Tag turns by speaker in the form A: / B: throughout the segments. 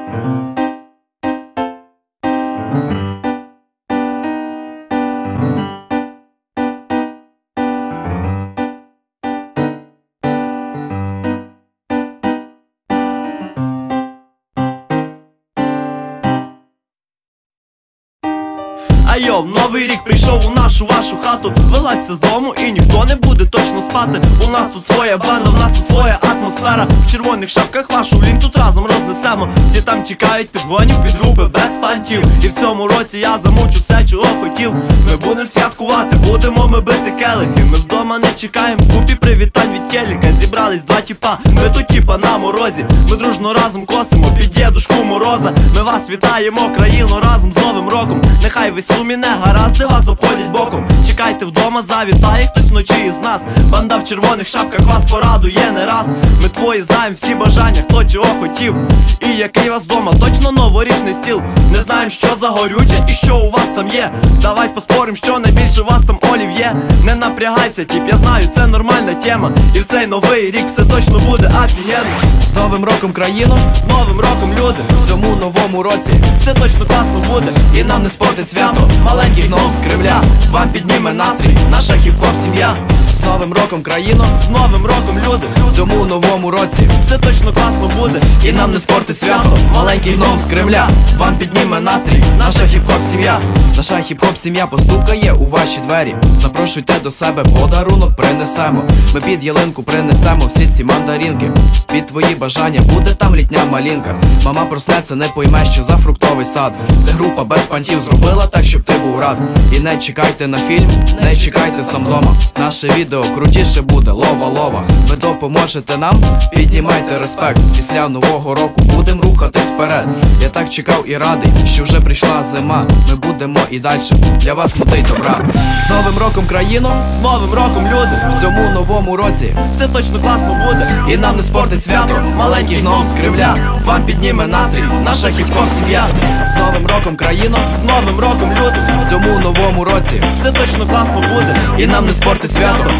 A: Айо, новий рік прийшов у нашу вашу хату. Вилазьте з дому і ніхто не буде точно спати. У нас тут своя банда, в нас тут своя атмосфера. В червоних шапках вашу лінь тут разом рознесемо. Всі там чекають підгонів, підруби без пантів. І в цьому році я замучу все, чого хотів. Ми будемо святкувати, будемо ми бити келихи. Ми вдома не чекаємо, купі привітань від телека. Зібрались два тіпа, ми тут тіпа на морозі. Ми дружно разом косимо під дідушку Мороза. Ми вас вітаємо, країну, разом з Новим роком. Нехай весь сумі не гаразди вас обходять боком. Чекайте вдома, завітає хтось вночі із нас. Банда в червоних шапках вас порадує не раз. Ми твої знаємо всі бажання, хто чого хотів. І який вас вдома, точно новорічний стіл. Не знаємо, що за горюче і що у вас там є. Давай поспорим, що найбільше у вас там олів'є. Не напрягайся, тіп, я знаю, це нормальна тема. І в цей новий рік все точно буде офігенно.
B: З Новим роком країну,
A: з Новим роком люди.
B: в цьому новому році
A: все точно класно буде.
B: і нам не спортить свято. Маленький гном з Кремля вам підніме настрій, наша хіп-хоп сім'я. З Новим роком країну,
A: з Новим роком люди.
B: в цьому новому році
A: все точно класно буде.
B: і нам не спортить свято. Маленький гном з Кремля вам підніме настрій, наша хіп-хоп сім'я. Наша хіп-хоп сім'я постукає у ваші двері. Запрошуйте до себе, подарунок принесемо. Ми під ялинку принесемо всі ці мандаринки. Під твої бажання буде там літня малинка. Мама проснеться, не пойме, що за фруктовий сад. Це група без пантів зробила так, щоб ти був рад. І не чекайте на фільм, не чекайте сам дома. Наше відео крутіше буде, лова-лова. Ви допоможете нам, піднімайте респект. Після нового року будем рухатись вперед. Я так чекав і радий, що вже прийшла зима. Ми будемо і дальше для вас мутить добра. З Новим роком країну,
A: з Новим роком люди.
B: в цьому новому році
A: все точно класно буде.
B: і нам не спортить свято. Маленький гном з Кремля вам підніме настрій, наша хіп-хоп сім'я. З Новим роком країну,
A: з Новим роком люди.
B: в цьому новому році
A: все точно класно буде.
B: і нам не спортить свято.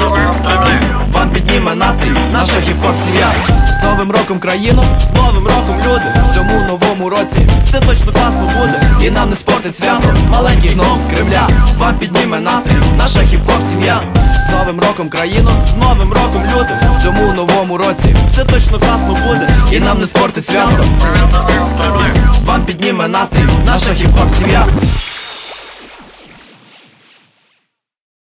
B: Вам підніме настрій, наша хіп-хоп сім'я. З Новим роком країну,
A: з Новим роком люди.
B: в цьому новому році
A: все точно класно буде.
B: і нам не спортить свято. Маленький гном з Кремля вам підніме настрій, наша хіп-хоп сім'я. З Новим роком країну,
A: з Новим роком люди.
B: в цьому новому році
A: все точно класно буде.
B: і нам не спортить свято. Вам підніме настрій, наша хіп-хоп сім'я.